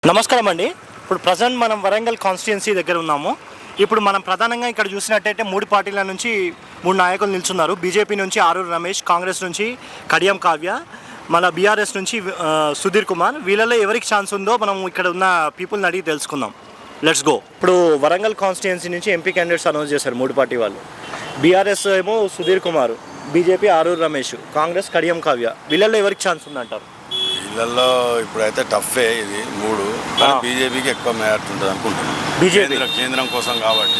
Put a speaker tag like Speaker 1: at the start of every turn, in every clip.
Speaker 1: నమస్కారం అండి. ఇప్పుడు ప్రజెంట్ మనం వరంగల్ కాన్స్టిట్యున్సీ దగ్గర ఉన్నాము. ఇప్పుడు మనం ప్రధానంగా ఇక్కడ చూసినట్టయితే మూడు పార్టీల నుంచి మూడు నాయకులు నిల్చున్నారు. బీజేపీ నుంచి ఆరూరు రమేష్, కాంగ్రెస్ నుంచి కడియం కావ్య, మన బీఆర్ఎస్ నుంచి సుధీర్ కుమార్. వీళ్ళలో ఎవరికి ఛాన్స్ ఉందో మనం ఇక్కడ ఉన్న పీపుల్ని అడిగి తెలుసుకుందాం. Let's go. ఇప్పుడు వరంగల్ కాన్స్టిట్యున్సీ నుంచి ఎంపీ క్యాండిడేట్స్ అనౌన్స్ చేశారు మూడు పార్టీ వాళ్ళు. బీఆర్ఎస్ ఏమో సుధీర్ కుమార్, బీజేపీ ఆరూరు రమేష్, కాంగ్రెస్ కడియం కావ్య. వీళ్ళల్లో ఎవరికి ఛాన్స్ ఉందంటారు?
Speaker 2: వీళ్ళల్లో ఇప్పుడైతే టఫే ఇది మూడు, కానీ బీజేపీకి ఎక్కువ మెజార్టీ ఉంటుంది అనుకుంటున్నాను.
Speaker 1: బీజేపీ
Speaker 2: కేంద్రం కోసం కాబట్టి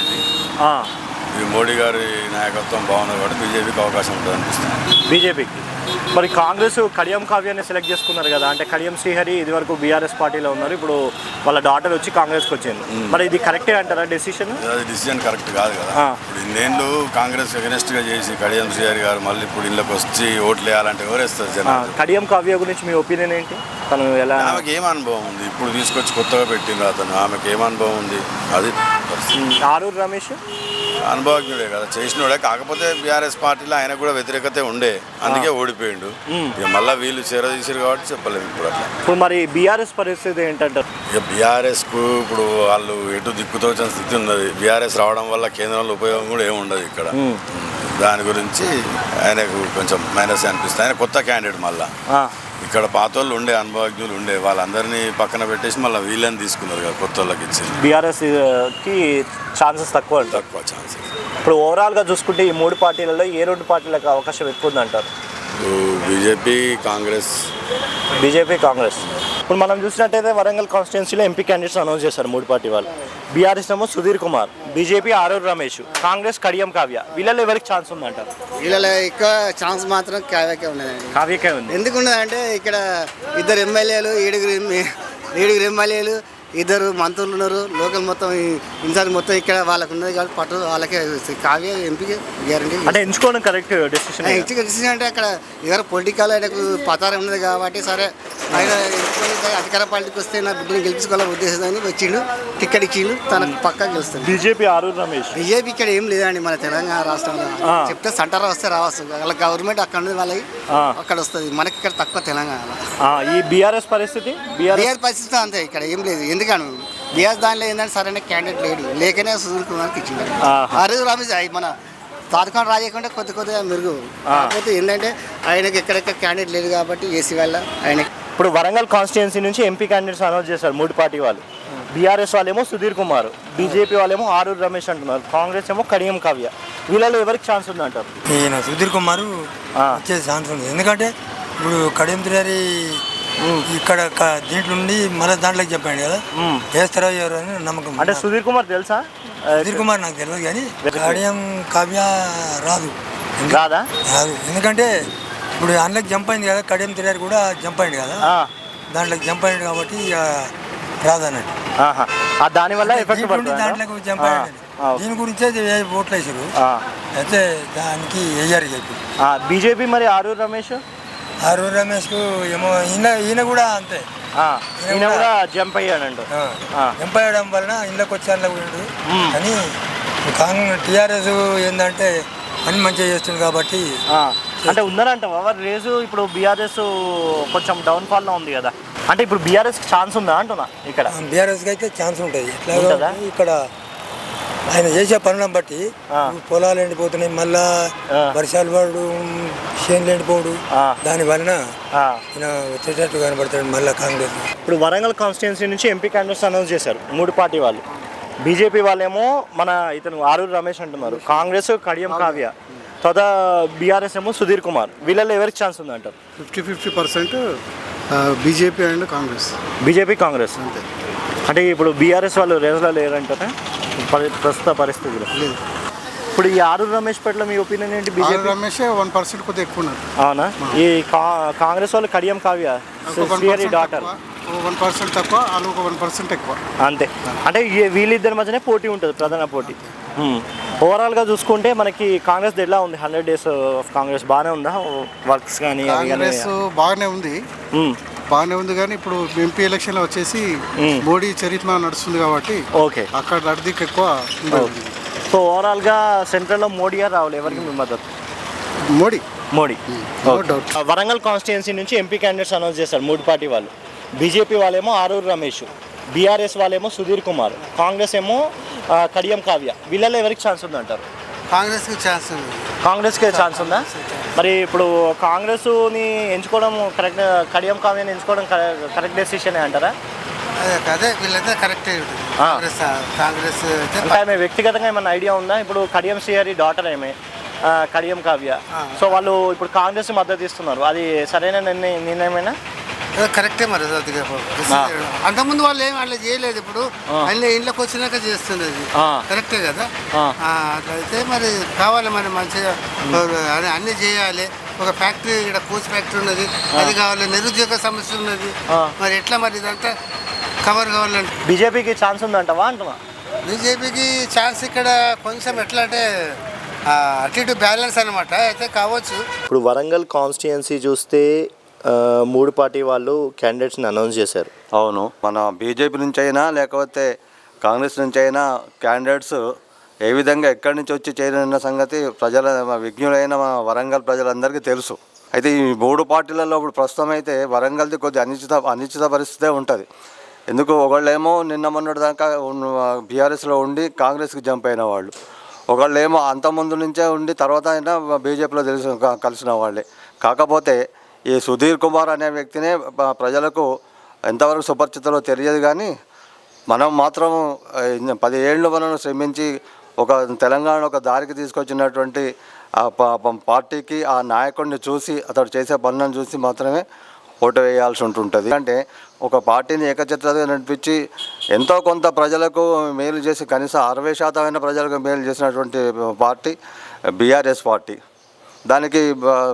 Speaker 2: ఇది మోడీ గారి నాయకత్వం బాగుంది కాబట్టి బీజేపీకి అవకాశం ఉంటుంది అనిపిస్తుంది.
Speaker 1: బీజేపీకి. మరి కాంగ్రెస్ కడియం కావ్యాన్ని సెలెక్ట్ చేసుకున్నారు కదా, అంటే కడియం శ్రీహరి ఇది వరకు బీఆర్ఎస్ పార్టీలో ఉన్నారు, ఇప్పుడు వాళ్ళ డాటర్ వచ్చి కాంగ్రెస్కి వచ్చింది. మరి ఇది కరెక్టే అంటారా డెసిషన్?
Speaker 2: అది డిసిజన్ కరెక్ట్ కాదు కదా. ఇప్పుడు ఇన్నేళ్ళు కాంగ్రెస్ అగెనెస్ట్గా చేసి కడియం శ్రీహరి గారు మళ్ళీ ఇప్పుడు ఇళ్ళకి వచ్చి ఓట్లు వేయాలంటే ఎవరేస్తారు జనాలు?
Speaker 1: కడియం కావ్య గురించి మీ ఒపీనియన్ ఏంటి? తను ఎలా?
Speaker 2: ఆమెకి ఏం అనుభవం ఉంది? ఇప్పుడు తీసుకొచ్చి కొత్తగా పెట్టింది అతను, ఆమెకి ఏం అనుభవం ఉంది? అది
Speaker 1: ఆరూరు రమేష్
Speaker 2: అనుభవజ్ఞుడే కదా, చేసినోడే. కాకపోతే బీఆర్ఎస్ పార్టీలో ఆయన కూడా వ్యతిరేకత ఉండే, అందుకే ఓడిపోయిండు. ఇక మళ్ళీ వీళ్ళు చేరదీసారు కాబట్టి చెప్పలేము ఇప్పుడు అట్లా.
Speaker 1: ఇప్పుడు మరి బీఆర్ఎస్ పరిస్థితి ఏంటంటారు?
Speaker 2: ఇక బీఆర్ఎస్కు ఇప్పుడు వాళ్ళు ఎటు దిక్కుతోచిన స్థితి ఉన్నది. బీఆర్ఎస్ రావడం వల్ల కేంద్రంలో ఉపయోగం కూడా ఏమి ఉండదు ఇక్కడ. దాని గురించి ఆయనకు కొంచెం మైనస్ అనిపిస్తుంది. ఆయన కొత్త క్యాండిడేట్. మళ్ళీ ఇక్కడ పాత వాళ్ళు ఉండే, అనుభవజ్ఞులు ఉండే, వాళ్ళందరినీ పక్కన పెట్టేసి మళ్ళీ వీళ్ళని తీసుకున్నారు కదా, కొత్త వాళ్ళకి ఇచ్చింది.
Speaker 1: బీఆర్ఎస్కి ఛాన్సెస్ తక్కువ
Speaker 2: ఛాన్సెస్.
Speaker 1: ఇప్పుడు ఓవరాల్గా చూసుకుంటే ఈ మూడు పార్టీలలో ఏ రెండు పార్టీలకు అవకాశం ఎక్కువ ఉందంటారు?
Speaker 2: BJP Congress.
Speaker 1: BJP Congress. ఇప్పుడు మనం చూసినట్టయితే వరంగల్ కాన్స్టిట్యున్సీలో ఎంపీ క్యాండిడేట్స్ అనౌన్స్ చేశారు మూడు పార్టీ వాళ్ళు. బీఆర్ఎస్ ఏమో సుధీర్ కుమార్, బీజేపీ ఆరూరు రమేష్, కాంగ్రెస్ కడియం కావ్య. వీళ్ళలో ఎవరికి ఛాన్స్ ఉందంటారు?
Speaker 3: వీళ్ళలో ఎక్కువ ఛాన్స్ మాత్రం కావ్యకే ఉన్నదండి.
Speaker 1: కావ్యకే ఉంది.
Speaker 3: ఎందుకు ఉన్నదంటే ఇక్కడ ఇద్దరు ఎమ్మెల్యేలు, ఏడుగురు ఎమ్మెల్యేలు, ఇద్దరు మంత్రులు ఉన్నారు. లోకల్ మొత్తం ఇన్సార్ మొత్తం ఇక్కడ వాళ్ళకు ఉన్నది కాబట్టి పట్టు వాళ్ళకే కావ్య ఎంపీకి గ్యారంటీ.
Speaker 1: అంటే ఎంచుకోవడం కరెక్ట్ డెసిషన్.
Speaker 3: డెసిషన్ అంటే అక్కడ ఎవరు పొలిటికల్ ఆయనకు పతారం ఉన్నది కాబట్టి సరే ఆయన ఎంచుకొని అధికార పార్టీకి వస్తే నా బిడ్డని గెలిపించుకోవాలని ఉద్దేశంతో వచ్చిండు, టికెట్ ఇచ్చిండు, తనకు పక్కా గెలుస్తుంది.
Speaker 1: బీజేపీ ఆరూరు రమేష్.
Speaker 3: బీజేపీ ఇక్కడ ఏం లేదండి మన తెలంగాణ రాష్ట్రంలో. చెప్తే సెంటర్ వస్తే రావచ్చు, వాళ్ళ గవర్నమెంట్ అక్కడ ఉన్నది, వాళ్ళకి అక్కడ వస్తుంది. మనకి ఇక్కడ తక్కువ తెలంగాణలో.
Speaker 1: ఈ బీఆర్ఎస్ పరిస్థితి?
Speaker 3: బీఆర్ పరిస్థితి అంతే, ఇక్కడ ఏం లేదు. ఎందుకని బీఆర్ దానిలో ఏంటంటే సరైన క్యాండిడేట్ లేడు, లేకనే సుధీర్ కుమార్కి ఇచ్చింది. ఆరూరు రమేష్ మన తాత్కాలం రాజకుండా కొద్దిగా మెరుగు. కాకపోతే ఏంటంటే ఆయనకి ఎక్కడెక్కడ క్యాండిడేట్ లేదు కాబట్టి ఏసీ వల్ల ఆయన.
Speaker 1: ఇప్పుడు వరంగల్ కాన్స్టిట్యున్సీ నుంచి ఎంపీ క్యాండిడేట్స్ అనౌన్స్ చేశారు మూడు పార్టీ వాళ్ళు. బీఆర్ఎస్ వాళ్ళేమో సుధీర్ కుమార్, బీజేపీ వాళ్ళేమో ఆరూరు రమేష్ అంటున్నారు, కాంగ్రెస్ ఏమో కడియం కావ్య. వీళ్ళలో ఎవరికి ఛాన్స్ ఉందంటారు?
Speaker 4: ఈయన సుధీర్ కుమార్ వచ్చే ఛాన్స్ ఉంది. ఎందుకంటే ఇప్పుడు కడియం శ్రీహరి ఇక్కడ దీంట్లో నుండి మళ్ళీ దాంట్లోకి చెప్పాడు కదా, వేస్తారో ఎవరు అని నమ్మకం.
Speaker 1: అంటే సుధీర్ కుమార్ తెలుసా?
Speaker 4: సుధీర్ కుమార్ నాకు తెలియదు, కానీ కడియం కావ్య రాదు. ఎందుకంటే ఇప్పుడు అందులోకి జంప్ అయింది కదా, కడియం శ్రీహరి కూడా జంప్ అయింది కదా, దాంట్లోకి జంప్ అయింది కాబట్టి రాదు అన్నట్టు.
Speaker 1: దానివల్ల
Speaker 4: దాంట్లోకి జంప్ అయ్యాడు. దీని గురించే ఓట్లు వేసారు, అయితే దానికి వేయారు చెప్పి.
Speaker 1: బీజేపీ మరి ఆరూరు రమేష్.
Speaker 4: ఆరూరు రమేష్కు ఏమో ఈయన కూడా అంతే,
Speaker 1: ఈయన కూడా జంప్ అయ్యాడంట.
Speaker 4: జంప్ అయ్యడం వలన ఇళ్ళకి వచ్చాను పోయాడు. కానీ కాంగ్రెస్ టీఆర్ఎస్ ఏంటంటే పని మంచిగా చేస్తుంది కాబట్టి
Speaker 1: అంటే ఉందనంట ఎవరు రేసు. ఇప్పుడు బీఆర్ఎస్ కొంచెం డౌన్ఫాల్లో ఉంది కదా, అంటే ఇప్పుడు బీఆర్ఎస్ ఛాన్స్ ఉందా అంటున్నా? ఇక్కడ
Speaker 4: బీఆర్ఎస్కి అయితే ఛాన్స్ ఉంటుంది. ఎట్లా ఇక్కడ ఆయన చేసే పనులను బట్టి పొలాలు ఎండిపోతున్నాయి, మళ్ళా వర్షాలు పడు, చేనులు ఎండిపోడు, దాని వలన ఈయన వచ్చేటట్టు కనబడతాడు మళ్ళీ కాంగ్రెస్.
Speaker 1: ఇప్పుడు వరంగల్ కాన్స్టిట్యున్సీ నుంచి ఎంపీ క్యాండిడేట్స్ అనౌన్స్ చేశారు మూడు పార్టీ వాళ్ళు. బీజేపీ వాళ్ళేమో మన ఇతను ఆరూరు రమేష్ అంటున్నారు, కాంగ్రెస్ కడియం కావ్య, తర్వాత బీఆర్ఎస్ ఏమో సుధీర్ కుమార్. వీళ్ళలో ఎవరికి ఛాన్స్ ఉందంటారు?
Speaker 5: 50% BJP and Congress.
Speaker 1: BJP Congress అంతే. అంటే ఇప్పుడు బీఆర్ఎస్ వాళ్ళు రేసులో లేరంటారా ప్రస్తుత పరిస్థితులు? లేదు. ఇప్పుడు ఈ ఆరూరు రమేష్ పట్ల మీ ఒపీనియన్ ఏంటి? బీజేపీ
Speaker 5: రమేష్ 1% కొద్దిగా ఎక్కువ ఉన్నారు.
Speaker 1: అవునా? ఈ కాంగ్రెస్ వాళ్ళు కడియం కావ్య డాటర్
Speaker 5: 1% తక్కువ, వాళ్ళు ఒక 1% ఎక్కువ
Speaker 1: అంతే. అంటే వీళ్ళిద్దరి మధ్యనే పోటీ ఉంటుంది, ప్రధాన పోటీ. ఓవరాల్గా చూసుకుంటే మనకి కాంగ్రెస్ ఎలా ఉంది? 100 days ఆఫ్ కాంగ్రెస్ బాగానే ఉందా? వర్క్స్ కానీ
Speaker 5: బాగానే ఉంది కానీ ఇప్పుడు ఎంపీ ఎలక్షన్లో వచ్చేసి మోడీ చరిత్ర నడుస్తుంది కాబట్టి
Speaker 1: ఓకే,
Speaker 5: అక్కడ అడిదికి ఎక్కువ.
Speaker 1: సో ఓవరాల్గా సెంట్రల్లో మోడీ గారు రావాలి, ఎవరికి మీ మద్దతు? మోడీ. వరంగల్ కాన్స్టిట్యున్సీ నుంచి ఎంపీ క్యాండిడేట్స్ అనౌన్స్ చేశారు మూడు పార్టీ వాళ్ళు. బీజేపీ వాళ్ళేమో ఆరూరు రమేష్, బీఆర్ఎస్ వాళ్ళేమో సుధీర్ కుమార్, కాంగ్రెస్ ఏమో కడియం కావ్య. వీళ్ళలో ఎవరికి ఛాన్స్ ఉందంటారు?
Speaker 5: కాంగ్రెస్కి ఛాన్స్ ఉంది.
Speaker 1: కాంగ్రెస్కే ఛాన్స్ ఉందా? మరి ఇప్పుడు కాంగ్రెస్ని ఎంచుకోవడం కరెక్ట్, కడియం కావ్యాన్ని ఎంచుకోవడం కరెక్ట్ డెసిషనే అంటారా?
Speaker 5: అదే వీళ్ళైతే కరెక్టే ఉంటుంది. కాంగ్రెస్
Speaker 1: అంటే ఆమె వ్యక్తిగతంగా ఏమైనా ఐడియా ఉందా? ఇప్పుడు కడియం శ్రీహరి డాటర్ ఏమే కడియం కావ్య, సో వాళ్ళు ఇప్పుడు కాంగ్రెస్ మద్దతు ఇస్తున్నారు, అది సరైన నిర్ణయమేనా?
Speaker 5: కరెక్టే మరి. అంతకుముందు వాళ్ళు ఏం అట్లా చేయలేదు, ఇప్పుడు అన్ని ఇంట్లోకి వచ్చినాక చేస్తుంది, అది కరెక్టే కదా. అట్లయితే మరి కావాలి, మరి మంచిగా అన్నీ చేయాలి. ఒక ఫ్యాక్టరీ, ఇక్కడ కోచ్ ఫ్యాక్టరీ ఉన్నది, అది కావాలి. నిరుద్యోగ సమస్య ఉన్నది, మరి ఎట్లా మరి ఇదంతా కవర్ కావాలంటే
Speaker 1: బీజేపీకి ఛాన్స్ ఉందంటవా అంటున్నా?
Speaker 5: బీజేపీకి ఛాన్స్ ఇక్కడ కొంచెం ఎట్లా అంటే అటు ఇటు బ్యాలెన్స్ అనమాట, అయితే కావచ్చు.
Speaker 1: ఇప్పుడు వరంగల్ కాన్స్టిట్యుయెన్సీ చూస్తే 3 పార్టీ వాళ్ళు క్యాండిడేట్స్ని అనౌన్స్ చేశారు.
Speaker 6: అవును, మన బీజేపీ నుంచి అయినా లేకపోతే కాంగ్రెస్ నుంచి అయినా క్యాండిడేట్స్ ఏ విధంగా ఎక్కడి నుంచి వచ్చి చేరిన సంగతి విజ్ఞులైన వరంగల్ ప్రజలందరికీ తెలుసు. అయితే ఈ 3 పార్టీలలో ఇప్పుడు ప్రస్తుతం అయితే వరంగల్ది కొద్దిగా అనిశ్చిత పరిస్థితే ఉంటుంది. ఎందుకు, ఒకళ్ళేమో నిన్న మొన్నటి దాకా బీఆర్ఎస్లో ఉండి కాంగ్రెస్కి జంప్ అయిన వాళ్ళు, ఒకళ్ళేమో అంతకుముందు నుంచే ఉండి తర్వాత అయినా బీజేపీలో కలిసిన వాళ్ళే. కాకపోతే ఈ సుధీర్ కుమార్ అనే వ్యక్తినే ప్రజలకు ఎంతవరకు సుపరిచితులో తెలియదు, కానీ మనం మాత్రం 10 ఏళ్ళు మనం శ్రమించి తెలంగాణ ఒక దారికి తీసుకొచ్చినటువంటి పార్టీకి ఆ నాయకుడిని చూసి అతడు చేసే పనులను చూసి మాత్రమే ఓటు వేయాల్సి ఉంటుంటుంది. అంటే ఒక పార్టీని ఏకఛత్రగా నడిపించి ఎంతో కొంత ప్రజలకు మేలు చేసి కనీసం 60% ప్రజలకు మేలు చేసినటువంటి పార్టీ బీఆర్ఎస్ పార్టీ. దానికి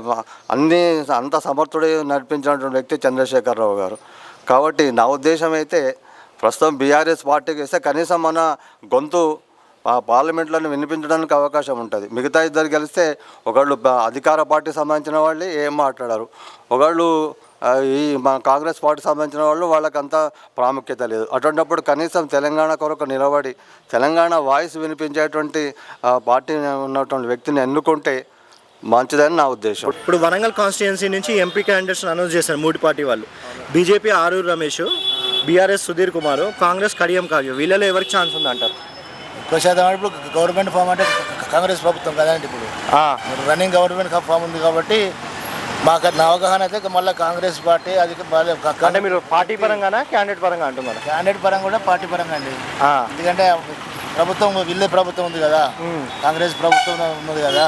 Speaker 6: అంత సమర్థుడే నడిపించినటువంటి వ్యక్తి చంద్రశేఖరరావు గారు. కాబట్టి నా ఉద్దేశం అయితే ప్రస్తుతం బీఆర్ఎస్ పార్టీకి వేస్తే కనీసం మన గొంతు పార్లమెంట్లను వినిపించడానికి అవకాశం ఉంటుంది. మిగతా ఇద్దరు గెలిస్తే ఒకళ్ళు అధికార పార్టీ సంబంధించిన వాళ్ళు ఏం మాట్లాడారు, ఒకళ్ళు ఈ మన కాంగ్రెస్ పార్టీ సంబంధించిన వాళ్ళు వాళ్ళకంతా ప్రాముఖ్యత లేదు. అటువంటిప్పుడు కనీసం తెలంగాణ కొరకు నిలబడి తెలంగాణ వాయిస్ వినిపించేటువంటి పార్టీ ఉన్నటువంటి వ్యక్తిని ఎన్నుకుంటే మంచిదని నా ఉద్దేశం.
Speaker 1: ఇప్పుడు వరంగల్ కాన్స్టిట్యుయెన్సీ నుంచి ఎంపీ క్యాండిడేట్స్ అనౌన్స్ చేశారు 3 పార్టీ వాళ్ళు. BJP Aroori Ramesh, BRS Sudheer Kumar, Congress Kadiyam Kavya. వీళ్ళలో ఎవరికి ఛాన్స్ ఉందంటారు?
Speaker 7: ప్రశాంతం ఇప్పుడు గవర్నమెంట్ ఫామ్ అంటే కాంగ్రెస్ ప్రభుత్వం కదండి, ఇప్పుడు రన్నింగ్ గవర్నమెంట్ ఫామ్ ఉంది కాబట్టి మాకు నా అవగాహన అయితే మళ్ళీ కాంగ్రెస్ పార్టీ అది
Speaker 1: అంటే మీరు పార్టీ పరంగానా క్యాండిడేట్ పరంగా అంటున్నారు?
Speaker 7: క్యాండిడేట్ పరంగా కూడా పార్టీ పరంగా అండి. ఎందుకంటే ప్రభుత్వం వీళ్ళే ప్రభుత్వం ఉంది కదా, కాంగ్రెస్ ప్రభుత్వం ఉన్నది కదా,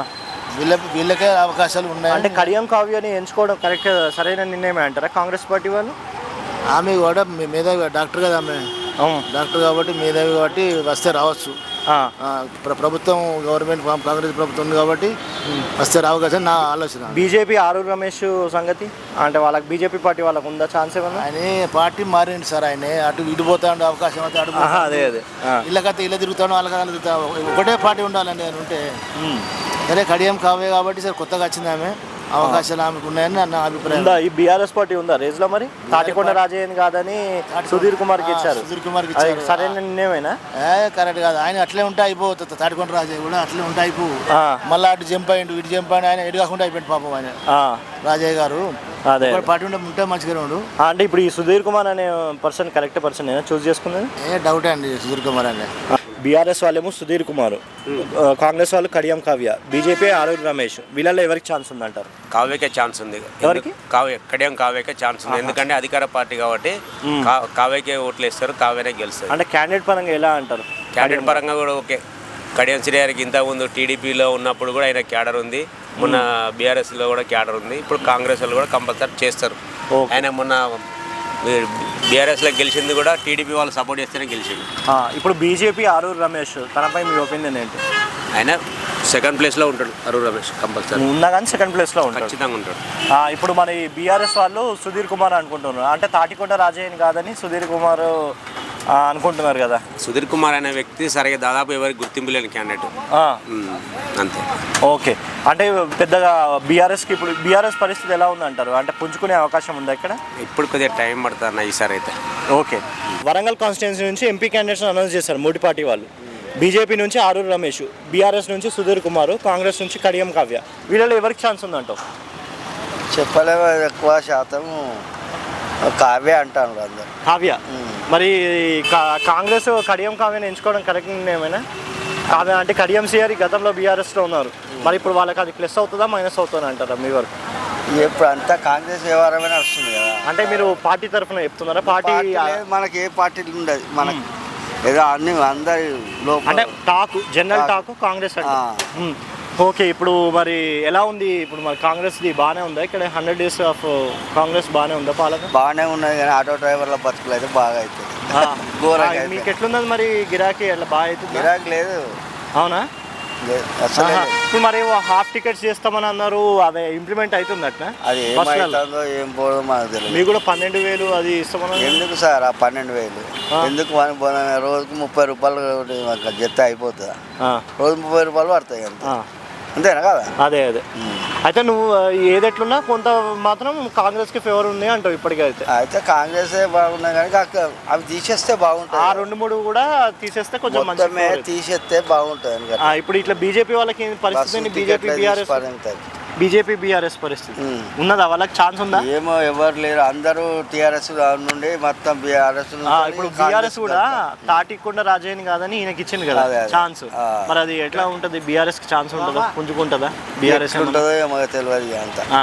Speaker 7: వీళ్ళకే అవకాశాలు ఉన్నాయి.
Speaker 1: అంటే కడియం కావ్యని ఎంచుకోవడం కరెక్ట్ సరైన నిర్ణయమే అంటారా కాంగ్రెస్ పార్టీ వాళ్ళు?
Speaker 7: ఆమె కూడా మేధావి డాక్టర్ కదా, ఆమె డాక్టర్ కాబట్టి మేధావి కాబట్టి వస్తే రావచ్చు. ప్రభుత్వం గవర్నమెంట్ కాంగ్రెస్ ప్రభుత్వం ఉంది కాబట్టి వస్తే రావచ్చు నా ఆలోచన.
Speaker 1: బీజేపీ ఆరూరు రమేష్ సంగతి అంటే వాళ్ళకి బీజేపీ పార్టీ వాళ్ళకు ఉందా ఛాన్స్ ఏమన్నా?
Speaker 7: ఆయన పార్టీ మారింది సార్, ఆయన అటు ఇటు పోతా ఉండే అవకాశం అయితే అడుగు
Speaker 1: అదే
Speaker 7: ఇళ్ళకైతే ఇళ్ళ తిరుగుతాను వాళ్ళకైనా తిరుగుతా, ఒకటే పార్టీ ఉండాలండి అని ఉంటే. సరే కడియం కావే కాబట్టి సార్ కొత్తగా వచ్చింది ఆమె, అవకాశాలు ఆమెకు ఉన్నాయని నా అభిప్రాయం.
Speaker 1: ఈ బీఆర్ఎస్ పార్టీ ఉందా రేజ్ లో? మరి తాటికొండ రాజయ్యని కాదని సుధీర్ కుమార్కి ఇచ్చారు.
Speaker 7: సుధీర్ కుమార్కి ఇచ్చారు.
Speaker 1: సరైన నిర్ణయమేనా?
Speaker 7: కరెక్ట్ కాదు, ఆయన అట్లే ఉంటే అయిపోతుంది. తాటికొండ రాజయ్య కూడా అట్లే ఉంటే అయిపో, మళ్ళీ అటు జంప్ అయ్యిండు ఇటు జంప్ అయిన, ఆయన ఎటు కాకుండా అయిపోయింది పాపం ఆయన రాజయ్య గారు. అదే పార్టీ ఉంటే మంచిగానే ఉండు.
Speaker 1: అంటే ఇప్పుడు ఈ సుధీర్ కుమార్ అనే పర్సన్ కరెక్ట్ పర్సన్ చూస్ చేసుకున్నది?
Speaker 7: డౌటే అండి సుధీర్ కుమార్ అనే.
Speaker 1: బీఆర్ఎస్ వాళ్ళేమో సుధీర్ కుమార్, కాంగ్రెస్ వాళ్ళు కడియం కావ్య, బీజేపీ ఆరూరు రమేష్. వీళ్ళల్లో ఎవరికి ఛాన్స్ ఉందంటారు?
Speaker 8: కావ్యకే ఛాన్స్ ఉంది.
Speaker 1: ఎవరికి?
Speaker 8: కడియం కావ్యకే ఛాన్స్ ఉంది, ఎందుకంటే అధికార పార్టీ కాబట్టి కావ్యకే ఓట్లు వేస్తారు, కావ్యనే గెలుస్తారు.
Speaker 1: అంటే క్యాండిడేట్ పరంగా ఎలా అంటారు?
Speaker 8: క్యాండిడేట్ పరంగా కూడా ఓకే. కడియం శ్రీహరికి ఇంతకుముందు టీడీపీలో ఉన్నప్పుడు కూడా ఆయన క్యాడర్ ఉంది, మొన్న బీఆర్ఎస్లో కూడా క్యాడర్ ఉంది, ఇప్పుడు కాంగ్రెస్ వాళ్ళు కూడా కంపల్సరీ చేస్తారు. ఆయన మొన్న బీఆర్ఎస్లో గెలిచింది కూడా టీడీపీ వాళ్ళు సపోర్ట్ చేస్తేనే గెలిచింది.
Speaker 1: ఇప్పుడు బీజేపీ ఆరూరు రమేష్, తనపై మీ ఒపీనియన్ ఏంటి?
Speaker 8: ఆయన సెకండ్ ప్లేస్లో ఉంటాడు ఆరూరు రమేష్, కంపల్సరీ
Speaker 1: ఉన్నా కానీ సెకండ్ ప్లేస్లో ఉంటాడు,
Speaker 8: ఖచ్చితంగా ఉంటాడు.
Speaker 1: ఇప్పుడు మరి బీఆర్ఎస్ వాళ్ళు సుధీర్ కుమార్ అనుకుంటున్నారు, అంటే తాటికొండ రాజయ్యని కాదని సుధీర్ కుమార్ అనుకుంటున్నారు కదా.
Speaker 8: సుధీర్ కుమార్ అనే వ్యక్తి సరిగా దాదాపు ఎవరికి గుర్తింపు లేని క్యాండిడేట్ అంతే.
Speaker 1: ఓకే, అంటే పెద్దగా బీఆర్ఎస్కి ఇప్పుడు బీఆర్ఎస్ పరిస్థితి ఎలా ఉందంటారు? అంటే పుంజుకునే అవకాశం ఉందా ఇక్కడ?
Speaker 8: ఇప్పుడు కొద్దిగా టైం పడుతుంది అన్న ఈసారి అయితే.
Speaker 1: ఓకే, వరంగల్ కాన్స్టిట్యున్సీ నుంచి ఎంపీ క్యాండిడేట్స్ అనౌన్స్ చేశారు 3 పార్టీ వాళ్ళు. బీజేపీ నుంచి ఆరూరు రమేష్, బీఆర్ఎస్ నుంచి సుధీర్ కుమార్, కాంగ్రెస్ నుంచి కడియం కావ్య. వీళ్ళలో ఎవరికి ఛాన్స్ ఉందంటావు?
Speaker 9: చెప్పలేము, ఎక్కువ శాతం
Speaker 3: కావ్య అంటాను అందరు.
Speaker 1: కావ్య. మరి కాంగ్రెస్ కడియం కావ్యని ఎంచుకోవడం కరెక్ట్ ఏమైనా? కావ్య అంటే కడియం సిఆర్ గతంలో బీఆర్ఎస్లో ఉన్నారు, మరి ఇప్పుడు వాళ్ళకి అది ప్లస్ అవుతుందా మైనస్ అవుతుందా అంటారా మీ వరకు?
Speaker 3: ఇప్పుడు అంతా కాంగ్రెస్ వ్యవహారమే నడుస్తుంది కదా.
Speaker 1: అంటే మీరు పార్టీ తరఫున చెప్తున్నారా? పార్టీ
Speaker 3: మనకి ఏ పార్టీలు ఉండదు, మనకి ఏదో అన్ని అందరి
Speaker 1: అంటే టాకు జనరల్ టాకు కాంగ్రెస్ అంటే. ఓకే, ఇప్పుడు మరి ఎలా ఉంది ఇప్పుడు మరి కాంగ్రెస్ది బాగానే ఉందా ఇక్కడ 100 days ఆఫ్ కాంగ్రెస్ బాగానే ఉందా పాలన?
Speaker 3: బాగానే ఉన్నది కానీ ఆటో డ్రైవర్ల బతుకులు అయితే బాగా అవుతుంది.
Speaker 1: మీకు ఎట్లున్నది మరి గిరాకీ అట్లా బాగా అవుతుంది?
Speaker 3: గిరాకీ లేదు.
Speaker 1: అవునా?
Speaker 3: అసలు
Speaker 1: ఇప్పుడు మరి హాఫ్ టికెట్స్ చేస్తామని అన్నారు, అదే ఇంప్లిమెంట్ అవుతుంది అట్లా?
Speaker 3: అది ఏమవుతుందో ఏం పోదో మనకు తెలియదు.
Speaker 1: మీకు కూడా 12,000 అది ఇస్తామన్నారు.
Speaker 3: ఎందుకు సార్ ఆ 12,000 ఎందుకు? రోజుకు 30 రూపాయలు జత అయిపోతుందా? రోజు 30 రూపాయలు పడతాయి అంతేనా కదా?
Speaker 1: అదే అయితే నువ్వు ఏదెట్లున్నా కొంత మాత్రం కాంగ్రెస్కి ఫేవర్ ఉంది అంటావు ఇప్పటికైతే?
Speaker 3: అయితే కాంగ్రెస్ బాగున్నాయి కానీ అవి తీసేస్తే బాగుంటుంది.
Speaker 1: ఆ 2-3 కూడా తీసేస్తే కొంచెం మంచి
Speaker 3: తీసేస్తే బాగుంటుంది.
Speaker 1: ఇప్పుడు ఇట్లా బీజేపీ వాళ్ళకి పరిస్థితి, బీజేపీ బీఆర్ఎస్ పరిస్థితి ఉన్నదా? వాళ్ళకి ఛాన్స్ ఉందా?
Speaker 3: ఏమో ఎవరు లేరు, అందరూ టీఆర్ఎస్ నుండి మొత్తం బీఆర్ఎస్.
Speaker 1: ఇప్పుడు బీఆర్ఎస్ కూడా తాటికొండ రాజయ్యని కాదని ఈయనకి ఇచ్చింది కదా ఛాన్స్, మరి అది ఎట్లా ఉంటుంది? బీఆర్ఎస్ కి ఛాన్స్ ఉంటుందా? పుంజుకుంటుందా బీఆర్ఎస్?
Speaker 3: ఉంటుందో ఏమో తెలియదు అంత.